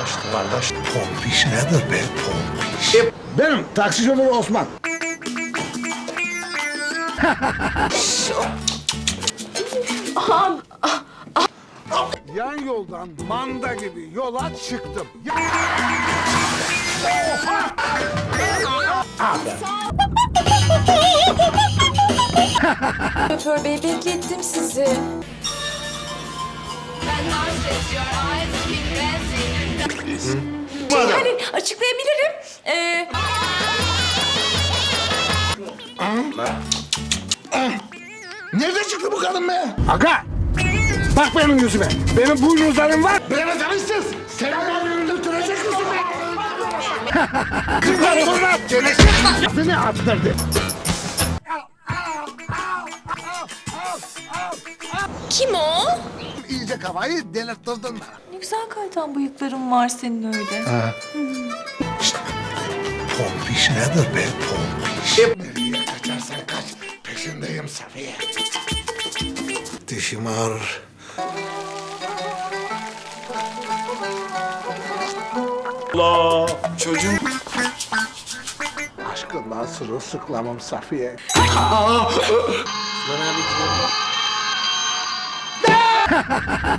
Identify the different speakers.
Speaker 1: Kardeş, pompiş nedir be pompiş?
Speaker 2: Benim taksi şoförü Osman. Yan yoldan manda gibi yola çıktım.
Speaker 3: Şoför bey beklettim sizi. Hani açıklayabilirim.
Speaker 2: Nerede çıktı bu kadın be? Aga! Bak benim yüzüme. Benim boynuzlarım var. Beni tanışsız. Sen beni öldürtecek misin be? Kızlar sonra gelecek. Beni attırdı.
Speaker 3: Kim o?
Speaker 2: İyice kafayı delirttirdin bana.
Speaker 3: Ne güzel kaytan bıyıkların var senin öyle.
Speaker 1: Pompiş nedir be pompiş?
Speaker 2: Nereye kaçarsan kaç. Peşindeyim Safiye.
Speaker 1: Dişim ağrır.
Speaker 2: Aşkından sırılsıklamım Safiye.